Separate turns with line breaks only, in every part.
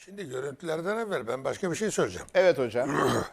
Şimdi görüntülerden evvel ben başka bir şey söyleyeceğim.
Evet hocam.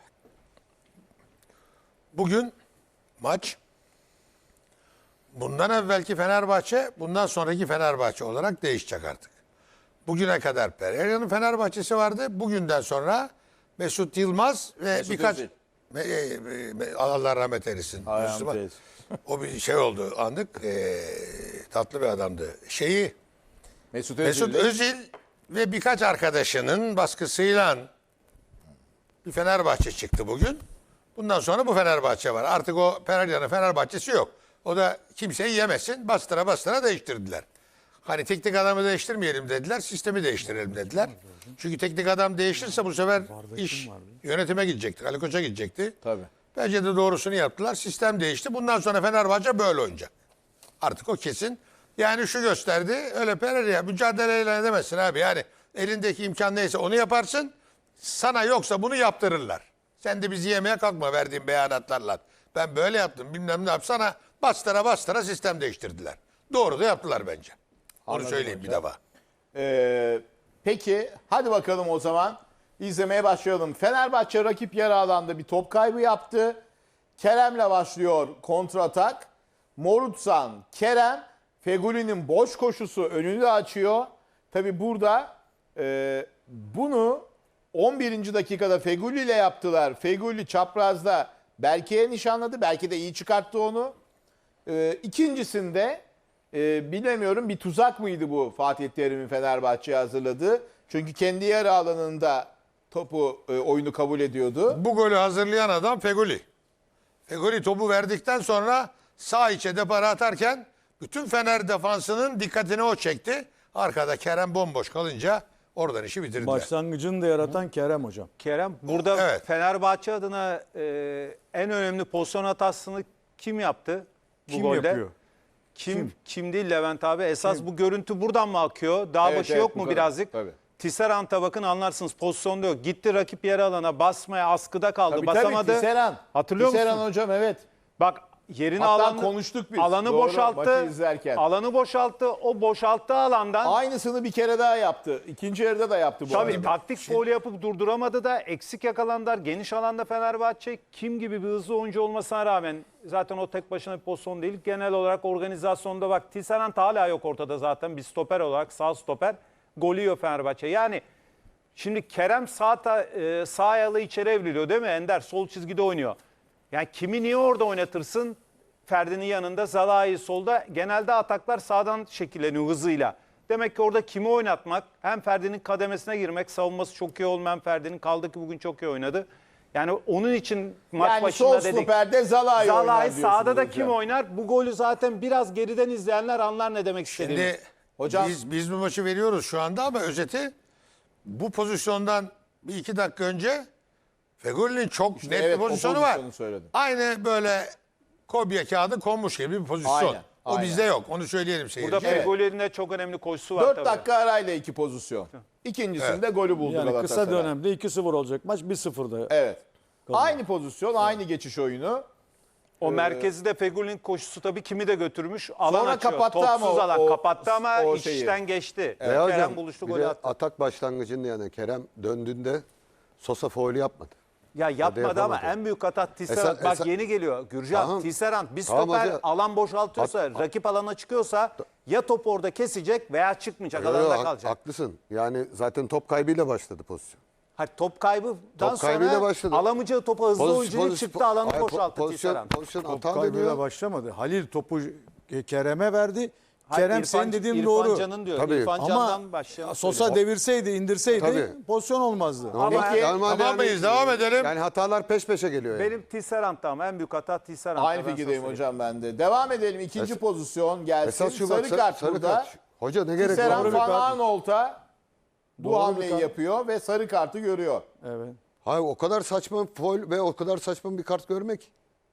Bugün maç bundan evvelki Fenerbahçe, bundan sonraki Fenerbahçe olarak değişecek artık. Bugüne kadar Pereira'nın Fenerbahçe'si vardı. Bugünden sonra Mesut Yılmaz ve
Mesut
birkaç
Özil.
Allah rahmet eylesin.
Ayağım
Müslüman.
teyze.
O bir şey oldu anlık. Tatlı bir adamdı.
Mesut
Mesut
Özil.
Özil ve birkaç arkadaşının baskısıyla bir Fenerbahçe çıktı bugün. Bundan sonra bu Fenerbahçe var. Artık o Pereira'nın Fenerbahçesi yok. O da kimseyi yemesin. Bastıra bastıra değiştirdiler. Hani teknik adamı değiştirmeyelim dediler. Sistemi değiştirelim dediler. Çünkü teknik adam değişirse bu sefer iş yönetime gidecekti. Ali Koç'a gidecekti.
Tabii.
Bence de doğrusunu yaptılar. Sistem değişti. Bundan sonra Fenerbahçe böyle oynayacak. Artık o kesin. Yani şu gösterdi. Öyle Pereira mücadeleyle edemezsin abi. Yani elindeki imkan neyse onu yaparsın. Sana yoksa bunu yaptırırlar. Sen de bizi yemeye kalkma verdiğin beyanatlarla. Ben böyle yaptım bilmem ne yapsana. Bastıra bastıra sistem değiştirdiler. Doğru da yaptılar bence. Onu
Anladım
söyleyeyim
hocam.
bir defa.
Peki hadi bakalım o zaman. İzlemeye başlayalım. Fenerbahçe rakip yarı alanda bir top kaybı yaptı. Kerem'le başlıyor kontratak. Morutsan, Kerem, Fegüli'nin boş koşusu önünü de açıyor. Tabi burada bunu 11. dakikada Fegüli ile yaptılar. Fegüli çaprazda Berke'ye nişanladı. Belki de iyi çıkarttı onu. İkincisinde bilemiyorum bir tuzak mıydı bu Fatih Terim'in Fenerbahçe'ye hazırladığı. Çünkü kendi yarı alanında topu oyunu kabul ediyordu.
Bu golü hazırlayan adam Fegüli. Fegüli topu verdikten sonra sağ içe depara atarken bütün Fener defansının dikkatini o çekti. Arkada Kerem bomboş kalınca oradan işi bitirdiler.
Başlangıcını da yaratan Kerem hocam.
Kerem burada
Evet.
Fenerbahçe adına en önemli pozisyon hatasını kim yaptı bu
Kim
golde?
yapıyor?
Kim değil Levent abi. Esas bu görüntü buradan mı akıyor? Dağ
Evet,
başı
evet,
yok
bu
mu
kadar.
birazcık?
Tabii.
Tisserant'a bakın anlarsınız pozisyonda yok. Gitti rakip yarı alana basmaya askıda kaldı.
Tabii
basamadı.
tabii Tisserand.
Hatırlıyor
Tisserand
musun?
hocam evet.
Bak yerini
Hatta konuştuk biz.
alanı
Doğru,
boşalttı.
maçı izlerken.
Alanı boşalttı. O boşalttığı alandan
Aynısını bir kere daha yaptı. İkinci yarıda da yaptı bu
tabii
arada.
taktik foul yapıp durduramadı da eksik yakalandılar. Geniş alanda Fenerbahçe kim gibi bir hızlı oyuncu olmasına rağmen zaten o tek başına bir pozisyon değil. Genel olarak organizasyonda bak Tisserand hala yok ortada zaten bir stoper olarak sağ stoper. Golü yiyor Fenerbahçe. Yani şimdi Kerem sağ ayağı içeri evriliyor değil mi? Ender sol çizgide oynuyor. Yani kimi niye orada oynatırsın? Ferdi'nin yanında Zalai solda. Genelde ataklar sağdan şekilleniyor hızıyla. Demek ki orada kimi oynatmak? Hem Ferdi'nin kademesine girmek. Savunması çok iyi olmayan Ferdi'nin kaldı ki bugün çok iyi oynadı. Yani onun için maç
Yani
başında
sol
dedik.
stoperde Zalai oynar
Zalai
diyorsunuz
sağda da
hocam.
kim oynar? Bu golü zaten biraz geriden izleyenler anlar ne demek istediğimi.
Şimdi
Hocam-
biz bu maçı veriyoruz şu anda ama özeti bu pozisyondan bir iki dakika önce Fegüli'nin çok net
evet,
bir
o
pozisyonu var.
pozisyonu söyledim.
Aynı böyle kopya kağıdı konmuş gibi bir pozisyon.
Aynen,
O
aynen.
bizde yok. Onu söyleyelim seyirciye.
Burada Fegoli'nin de çok önemli koşusu var
4
tabii.
dakika arayla iki pozisyon. İkincisinde golü buldu
Yani
Galatasaray.
kısa dönemde 2-0 olacak maç 1-0'da.
Evet. Aynı pozisyon, aynı geçiş oyunu.
O merkezi de Fegoli'nin koşusu tabii kimi de götürmüş. Alan
Sonra
açıyor.
kapattı
Topsuz
ama
alan
o
kapattı ama
o şeyi.
içten geçti.
Ve
Kerem
hocam,
buluştu
bir
golü
de
attı.
atak başlangıcında yani Kerem döndüğünde Sosa faulü yapmadı.
Ya yapmadı ama
yapamadı.
en büyük hata Tisserand. Bak yeni geliyor. Gürcan
Tamam.
Tisserand bir
Tamam
stoper
hocam.
alan boşaltıyorsa, rakip alana çıkıyorsa ya top orada kesecek veya çıkmayacak
Yo, yo,
alanda kalacak.
haklısın. Yani zaten top kaybıyla başladı pozisyon.
Hayır, top kaybından
Top kaybıyla
sonra
başladı.
alamayacağı topa hızlı
Poz-
oyuncu
poz-
çıktı alanı
Hayır,
boşalttı Tisserand.
pozisyon
Top
hata
kaybıyla
demiyor.
başlamadı. Halil topu Kerem'e verdi.
Hayır,
Kerem senin dediğin doğru.
Can'ın diyor.
Tabii.
İrfan
Ama
Can'dan başlayalım.
Sosa devirseydi, indirseydi
Tabii.
pozisyon olmazdı.
Ama
Peki,
Tamam mıyız? Devam edelim.
Yani hatalar peş peşe geliyor yani.
benim Tisserand'da ama en büyük hata Tisserand'da.
Aynı
ben sana
fikirdeyim
söyleyeyim.
hocam ben de. Devam edelim. İkinci pozisyon gelsin.
Esas şu
Sarı
bak,
kart
sarı
burada.
kart. Hoca ne gerek
Tisserand
var?
Van Aanholt'a bu
Doğru bir
hamleyi
kart.
yapıyor ve sarı kartı görüyor.
Evet.
Hayır o kadar saçma faul ve o kadar saçma bir kart görmek.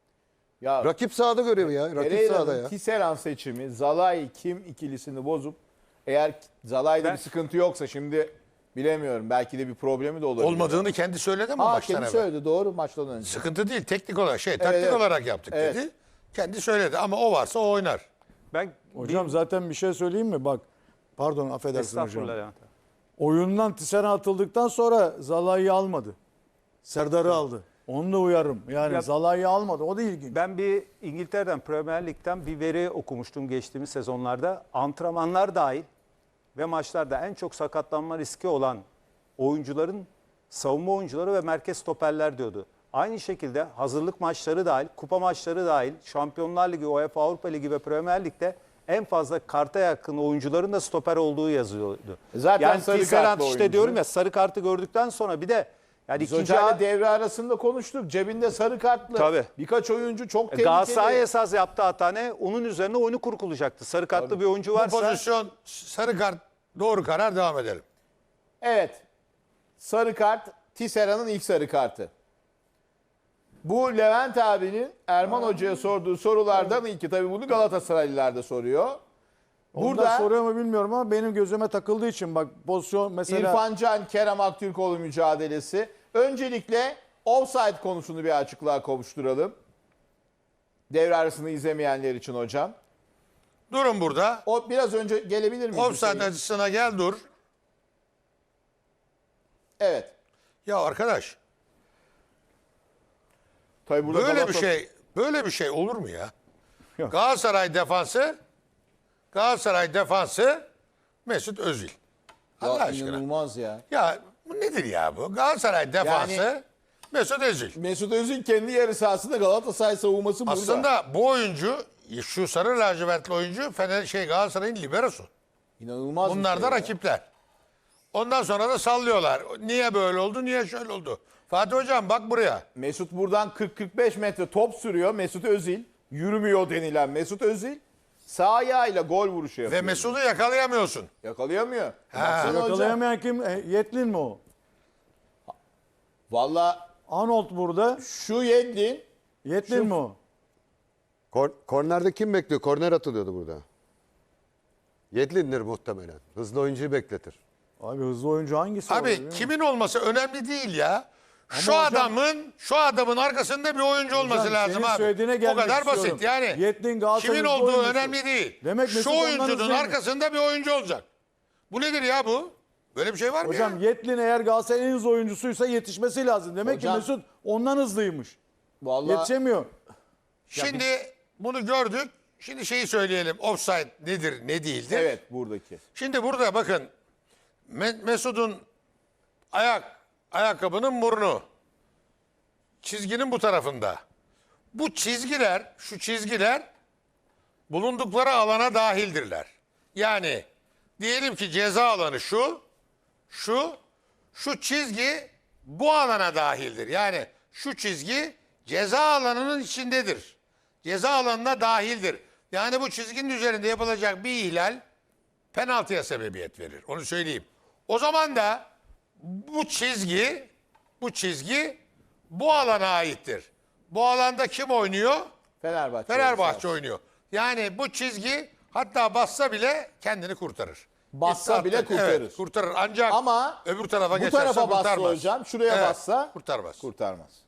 Ya
Rakip sahada görevi ya. Rakip sahada
Pereira'nın
ya.
Tisserand seçimi Zalai Kim ikilisini bozup eğer Zalai'de bir sıkıntı yoksa şimdi bilemiyorum. Belki de bir problemi de olabilir.
Olmadığını kendi söyledi mi
Aa,
maçtan
kendi
evvel?
söyledi doğru maçtan önce.
Sıkıntı değil. Teknik olarak taktik
evet.
olarak yaptık
Evet.
dedi. Kendi söyledi ama o varsa o oynar.
Ben
Hocam zaten bir şey söyleyeyim mi? Bak pardon affedersin hocam.
Estağfurullah Levent.
oyundan Tisserand atıldıktan sonra Zalai'yi almadı. Serdar'ı aldı. Onu da uyarım. Yani
Ya-
Zalai'yi almadı. O da ilginç.
Ben bir İngiltere'den, Premier Lig'den bir veri okumuştum geçtiğimiz sezonlarda. Antrenmanlar dahil ve maçlarda en çok sakatlanma riski olan oyuncuların savunma oyuncuları ve merkez stoperler diyordu. Aynı şekilde hazırlık maçları dahil, kupa maçları dahil, Şampiyonlar Ligi, UEFA Avrupa Ligi ve Premier Lig'de en fazla karta yakın oyuncuların da stoper olduğu yazıyordu.
Zaten
yani
sarı
Tisserand
kartlı
işte
oyuncu.
diyorum ya, sarı kartı gördükten sonra bir de yani
Biz
ikinci
hocayla devre arasında konuştuk. Cebinde sarı kartlı.
Tabii.
Birkaç oyuncu çok tehlikeli.
Galatasaray esas yaptığı hata ne? Onun üzerine oyunu kurgulayacaktı. Sarı kartlı bir oyuncu
Bu
varsa
pozisyon sarı kart doğru karar, devam edelim.
Evet. Sarı kart Tisserand'ın ilk sarı kartı. Bu Levent abinin Erman Hoca'ya sorduğu sorulardan ilki. Tabii bunu Galatasaraylılar da soruyor.
Burada
Burada
soruyor mu bilmiyorum ama benim gözüme takıldığı için bak pozisyon mesela
İrfan Can, Kerem Aktürkoğlu mücadelesi. Öncelikle offside konusunu bir açıklığa kavuşturalım. Devre arasını izlemeyenler için hocam.
Durun burada.
O biraz önce gelebilir miyiz?
Offside
Hüseyin?
açısına gel dur.
Evet.
Ya arkadaş,
Tabii burada
böyle bir şey olur mu ya? Galatasaray defansı Mesut Özil. Allah
Ya
aşkına.
inanılmaz ya.
Ya bu nedir ya bu? Galatasaray defansı
Yani-
Mesut Özil.
Mesut Özil kendi yarı sahasında Galatasaray savunması burada.
Aslında bu oyuncu, şu sarı lacivertli oyuncu Galatasaray'ın liberosu.
İnanılmaz bir
Bunlar
şey
da
ya.
rakipler. Ondan sonra da sallıyorlar. Niye böyle oldu, niye şöyle oldu? Fatih Hocam bak buraya.
Mesut buradan 40-45 metre top sürüyor. Mesut Özil yürümüyor denilen Mesut Özil sağ ayağıyla gol vuruşu yapıyor.
Ve Mesut'u yakalayamıyorsun.
Yakalayamıyor.
Ha.
Baksana hocam.
yakalayamayan kim? Yetlin mi o?
Valla
Arnold burada.
şu Yedlin
Yetlin mi o?
Kornerde kim bekliyor? Korner atılıyordu burada. Yedlin'dir muhtemelen. Hızlı oyuncuyu bekletir.
Abi hızlı oyuncu hangisi?
Abi
olabilir, değil mi?
kimin olması önemli değil ya. Şu
hocam-
adamın arkasında bir oyuncu olması
Hocam,
lazım
senin
abi.
söylediğine
O
gelmek
kadar
istiyorum.
basit yani.
Yedlin Galatasaray'ın
Kimin
hızlı
olduğu
oyuncusu.
önemli değil.
Demek Mesut
Şu
ondan
oyuncunun
hızlı değil mi?
arkasında bir oyuncu olacak. Bu nedir ya bu? Böyle bir şey var mı
Hocam
ya?
Yetlin eğer Galatasaray'ın en hızlı oyuncusuysa yetişmesi lazım. Demek
Hocam-
ki Mesut ondan hızlıymış.
valla
Yetişemiyor.
Şimdi bunu gördük. Şimdi şeyi söyleyelim. Offside nedir, ne değildir?
evet buradaki.
Şimdi burada bakın Mesut'un ayakkabının burnu çizginin bu tarafında. Bu çizgiler, şu çizgiler bulundukları alana dahildirler. Yani diyelim ki ceza alanı şu çizgi bu alana dahildir. Yani şu çizgi ceza alanının içindedir. Ceza alanına dahildir. Yani bu çizginin üzerinde yapılacak bir ihlal penaltıya sebebiyet verir. Onu söyleyeyim. O zaman da bu çizgi bu alana aittir. Bu alanda kim oynuyor? Fenerbahçe oynuyor. Yani bu çizgi hatta bassa bile kendini kurtarır.
Bassa bile
Evet,
kurtarır.
kurtarır. Ancak
Ama
öbür tarafa
bu
geçerse
tarafa bassa
kurtarmaz.
hocam, şuraya
Evet,
bassa
kurtarmaz.
kurtarmaz.